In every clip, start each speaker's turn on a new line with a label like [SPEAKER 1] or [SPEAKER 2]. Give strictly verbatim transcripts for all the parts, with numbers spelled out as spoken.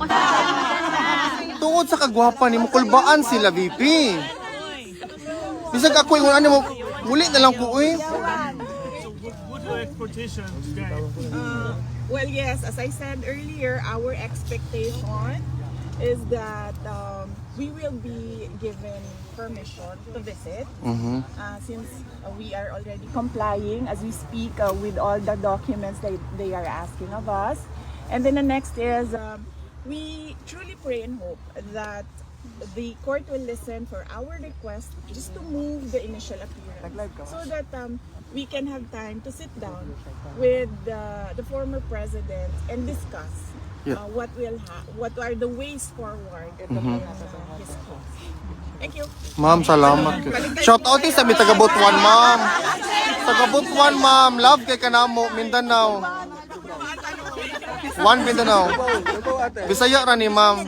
[SPEAKER 1] Tungod sa kagwapa ni mo, kulbaan sila, V P. Bisag ako yung ano mo, muli na lang ko, eh.
[SPEAKER 2] What are expectations, guys?
[SPEAKER 3] Uh, well, yes, as I said earlier, our expectation is that um, we will be given permission to visit
[SPEAKER 1] Mhm.
[SPEAKER 3] uh, since uh, we are already complying as we speak uh, with all the documents that they are asking of us. And then the next is um, we truly pray and hope that the court will listen for our request just to move the initial appearance so that um, we can have time to sit down with uh, the former president and discuss
[SPEAKER 1] Yeah.
[SPEAKER 3] uh, what will ha- what are the ways forward in uh, his cause. Thank you.
[SPEAKER 1] Ma'am, salamat. Shout out din sa mi taga Butuan, ma'am. Taga Butuan, ma'am. Love kay kanamo, Mindanao. One Mindanao. Bisaya ra ni ma'am.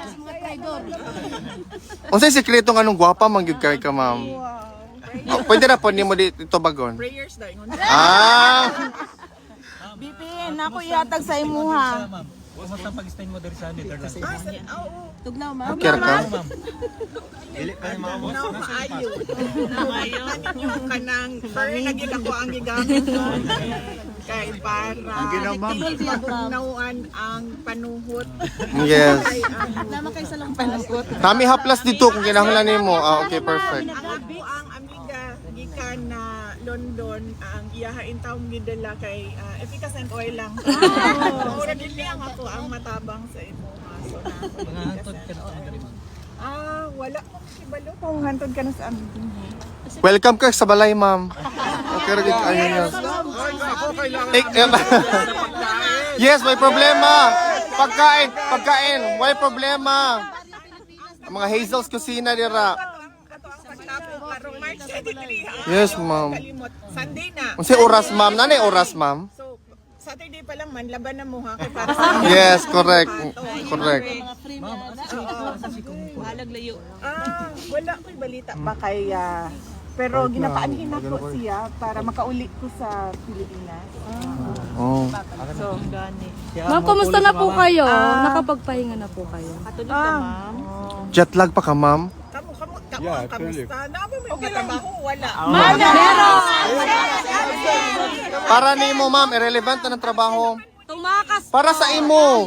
[SPEAKER 1] Unsay sikreto nga nung gwapa man gyud kay ka, ma'am? Oh, pwede ra po nimo dito bagon.
[SPEAKER 3] Prayers daw ingon.
[SPEAKER 1] Ah,
[SPEAKER 4] Bipin, ako ihatag sa imuha.
[SPEAKER 5] Huwag mo pag-stay mo dari sa Netherlands.
[SPEAKER 3] Ah, sa- oo.
[SPEAKER 4] Tugnaw, ma'am.
[SPEAKER 1] care ka?
[SPEAKER 5] Dili pa yung mga mo.
[SPEAKER 3] Now, maayo. Maayo. Yung kanang, pero naging ako ang gigamit ko. Kay para pagnawan ang panuhot.
[SPEAKER 1] Yes.
[SPEAKER 3] Kay ano.
[SPEAKER 4] Nama kayo sa lang panugot.
[SPEAKER 1] Kami haplas dito kung kinahanglan nimo. Ah, okay, perfect.
[SPEAKER 3] Ang ako ang amiga gikan na London ang iyahain taong gidala kay uh, efficacent oil lang. Mura din lang ako ang matabang sa imo. So na ako
[SPEAKER 5] Mga hantod ka na sa oil.
[SPEAKER 3] Ah, wala ko kibalo kung hantod ka na sa amin.
[SPEAKER 1] Welcome ka sa balay, ma'am. Okay, rin ayun yun. Eh, eh, yes, may problema. Pagkain, pagkain, may problema. Ang mga Hazel's Kusina dira.
[SPEAKER 3] Ato ang pagtapo karong March twenty-three. ha?
[SPEAKER 1] Yes, ma'am.
[SPEAKER 3] Kalimot. Sunday na.
[SPEAKER 1] Unsay oras, ma'am? Nanay oras, ma'am?
[SPEAKER 3] So, Saturday pa lang man, laban na mo ha. Kay para sa
[SPEAKER 1] Yes, correct. Correct.
[SPEAKER 4] Mga free meals. Halag layo.
[SPEAKER 3] Ah, wala ko'y balita pa kay ah, pero ginapaanhin ako siya para makauli ko sa Pilipinas.
[SPEAKER 1] Oh.
[SPEAKER 3] So,
[SPEAKER 6] Ma'am, kumusta na po kayo?
[SPEAKER 3] Ah.
[SPEAKER 6] Nakapagpahinga na po kayo?
[SPEAKER 4] Katulog ka, ma'am.
[SPEAKER 1] Jet lag pa ka, ma'am?
[SPEAKER 3] Kamu, kamu, kamu, yeah, kamusta? Naaba may okay trabaho? Wala.
[SPEAKER 1] Para nimo, ma'am, irrelevant na ng trabaho.
[SPEAKER 6] Tumakas!
[SPEAKER 1] Para sa imo.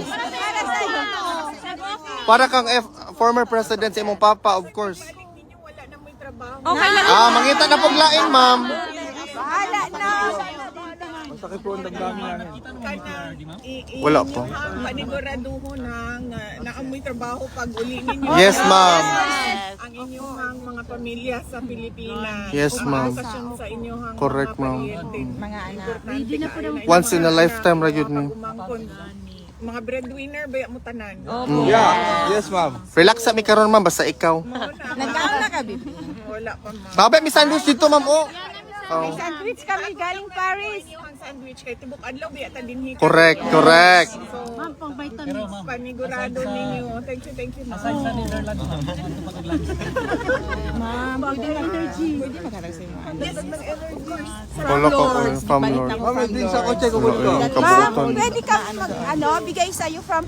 [SPEAKER 1] Para kang F, former president sa imong papa, of course.
[SPEAKER 3] Balik ninyo, wala na may trabaho.
[SPEAKER 6] Okay lang.
[SPEAKER 1] Ah, mangita na paglaing, ma'am.
[SPEAKER 3] Bahala na.
[SPEAKER 5] Sakit po ang damdamin namin.
[SPEAKER 3] Kanang, i- i-
[SPEAKER 1] Wala po.
[SPEAKER 3] inyong panigurado ng uh, naamoy trabaho pag uli ninyo.
[SPEAKER 1] Yes, ma'am.
[SPEAKER 3] Ang inyong mga pamilya sa Pilipinas.
[SPEAKER 1] Yes, ma'am.
[SPEAKER 3] Umaasasyon sa inyong
[SPEAKER 1] Correct,
[SPEAKER 3] mga
[SPEAKER 1] ma'am.
[SPEAKER 3] pariente.
[SPEAKER 4] Mga anak.
[SPEAKER 3] Importante kayo na
[SPEAKER 1] Once in a
[SPEAKER 3] inyong
[SPEAKER 1] lifetime, ra
[SPEAKER 3] mga
[SPEAKER 1] yun, ma'am.
[SPEAKER 3] pag-umangkon. Mga breadwinner ba mo tanan?
[SPEAKER 5] Yeah, yes ma'am.
[SPEAKER 1] Relax sa mi karon, ma'am, basta ikaw.
[SPEAKER 4] Nagkaon na ka, Bipin.
[SPEAKER 3] Wala pa ma'am.
[SPEAKER 1] Sabi, may sandwich dito, ma'am, oh. Oh.
[SPEAKER 4] Sandwich kami galing Paris.
[SPEAKER 3] Ang sandwich kay tibok adlaw biya ta dinhi.
[SPEAKER 1] Correct, correct.
[SPEAKER 3] So, panigurado ninyo. Thank you, thank you. Ma'am.
[SPEAKER 5] Aside sa Netherlands, ma'am.
[SPEAKER 4] Ma'am, pwede energy. Pwede magkaroon sa inyo.
[SPEAKER 3] Yes, mag-energy.
[SPEAKER 1] Wala ka ko, from Lord.
[SPEAKER 5] Ma'am, may drinks sa kotse ko
[SPEAKER 1] Wala,
[SPEAKER 5] ko.
[SPEAKER 1] kabutan.
[SPEAKER 4] Pwede ka mag, ano, bigay sa'yo from